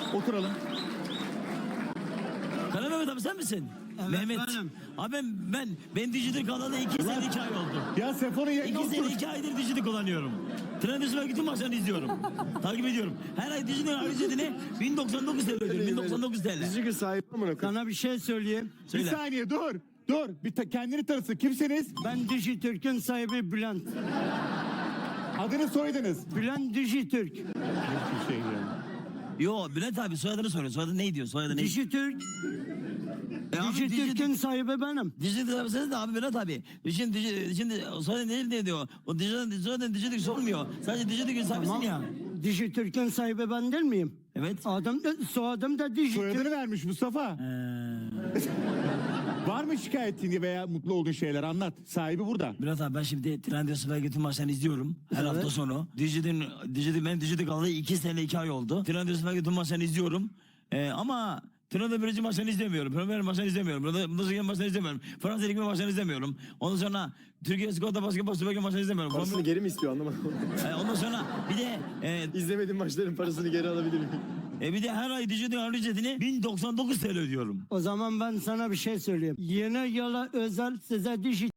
Oturalım. Kara Mehmet abi sen misin? Evet, Mehmet. benim. Abi ben Dijital kanalı 2 sene 2 ay oldu. Ya Sefon'un yayında 2 sene otur. 2 aydır Dijital kullanıyorum. Trendyol'a bütün maçlarını izliyorum. Takip ediyorum. Her ay Dijital ücretini 1099 TL ödüyorum. 1099 TL. Dijital sahibi amına koyayım. Sana bir şey söyleyeyim. Bir Söyle. saniye dur. Dur. Kendini tanısın. Kimsiniz? Ben Dijitürk'ün sahibi Bülent. Adını soyadınız. Bülent Dijitürk. Bir şey yani. Yo Bülent abi soyadını soruyor. Soyadı ne diyor? Soyadı ne? Dijitürk. abi Dijitürk'ün sahibi benim. Dijital abi sen de abi Bülent abi. Şimdi soyadı ne diyor? O Dijital sormuyor. Sadece Dijital sahibisin ya. Dijitürk'ün sahibi ben değil miyim? Evet. Adım da, soyadım da Dijitürk. Soyadını vermiş Mustafa. Var mı şikayetin veya mutlu olduğun şeyler anlat. Sahibi burada. Bülent abi ben şimdi Trendyol'a bütün maçlarını izliyorum. Her Evet. hafta sonu. Benim Dijital kanalı 2 sene 2 ay oldu. Trendyol'a bütün maçlarını izliyorum. Ama Trendyol birinci maçlarını izlemiyorum. Premier maçlarını izlemiyorum. Bundesliga maçlarını izlemiyorum. Fransa Ligi maçlarını izlemiyorum. Ondan sonra Türkiye Skoda'da basketbol süper maçlarını izlemiyorum. Parasını geri mi istiyor anlamadım. Ondan sonra bir de İzlemediğim maçların parasını geri alabilir miyim? bir de her ay Dijital ücretini 1099 TL ödüyorum. O zaman ben sana bir şey söyleyeyim. Yeni yıla özel size Dijitürk